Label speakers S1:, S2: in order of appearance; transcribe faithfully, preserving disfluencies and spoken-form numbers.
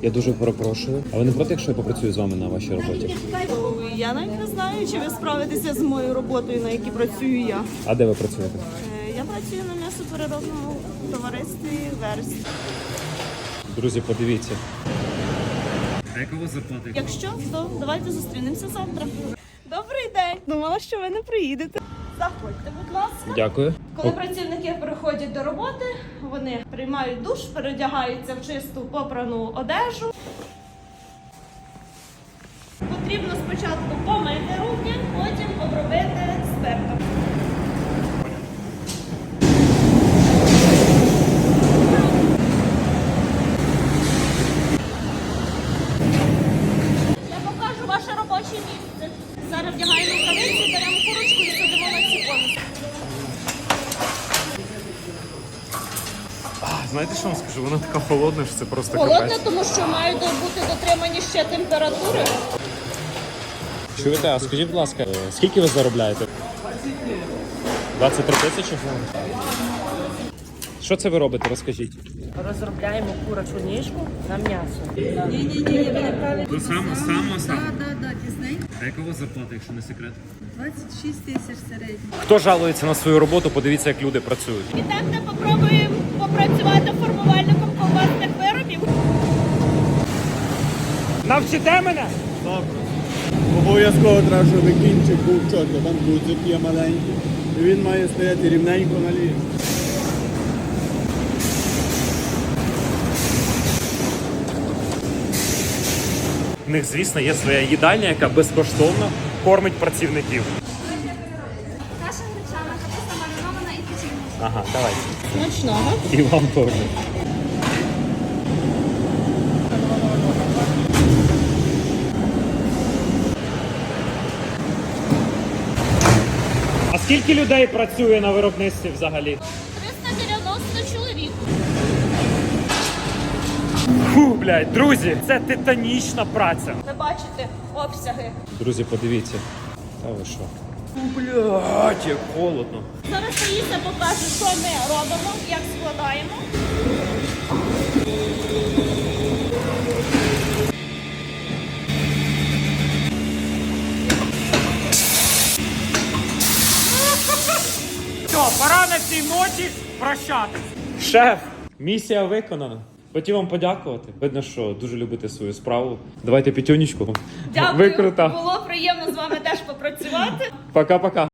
S1: Я дуже перепрошую. А ви не проти, якщо я попрацюю з вами на вашій роботі?
S2: Я навіть не знаю, чи ви справитеся з моєю роботою, на якій працюю я.
S1: А де ви працюєте?
S2: Е, Я працюю на м'ясопереробному товаристві «Верст».
S1: Друзі, подивіться. А яка у вас зарплата?
S2: Якщо, то давайте зустрінемося завтра. Добрий день! Думала, що ви не приїдете. Заходьте, будь ласка.
S1: Дякую.
S2: Коли працівники приходять до роботи, вони приймають душ, переодягаються в чисту попрану одежу. Потрібно спочатку помити руки, потім обробити спиртом. Я покажу ваше робоче місце. Зараз вдягаємо рукавиці, беремо курочку і садимо на ці конуси.
S1: Знаєте, що вам скажу? Вона така холодна, що це просто
S2: Холодно,
S1: капець.
S2: тому що мають бути дотримані ще температури.
S1: Чуєте, а скажіть, будь ласка, скільки ви заробляєте? двадцять три тисячі? Що це ви робите, розкажіть?
S3: Розробляємо курячу ніжку на м'ясо.
S4: Ні-ні-ні, ви неправильно.
S1: Ви саме, саме, саме?
S4: Так, так, так, пізненько.
S1: А яка у вас зарплата, якщо не секрет?
S4: двадцять шість тисяч середньо.
S1: Хто жалується на свою роботу, подивіться, як люди працюють.
S2: Ідемте попробуємо попрацювати формувальником ковбасних виробів.
S1: Навчите мене?
S5: Обов'язково треба, щоб кінчик був чітко, там гудзик є маленький. І він має стояти рівненько на лінії.
S1: В них, звісно, є своя їдальня, яка безкоштовно кормить працівників.
S6: Каша гречана, капуста маринована і печінка.
S1: Ага, давайте.
S2: Смачного.
S1: І вам теж. А скільки людей працює на виробництві взагалі?
S2: триста дев'яносто чоловік.
S1: Фу, блядь, друзі, це титанічна праця.
S2: Ви бачите обсяги.
S1: Друзі, подивіться. Та ви що? Фу, блядь, як холодно.
S2: Зараз Таїся покаже, що ми робимо, як складаємо.
S1: Все, пора на цій ноті прощатись. Шеф, місія виконана. Хотів вам подякувати. Видно, що дуже любите свою справу. Давайте п'ятюнічку.
S2: Дякую.
S1: Ви крута.
S2: Було приємно з вами теж попрацювати.
S1: Пока-пока.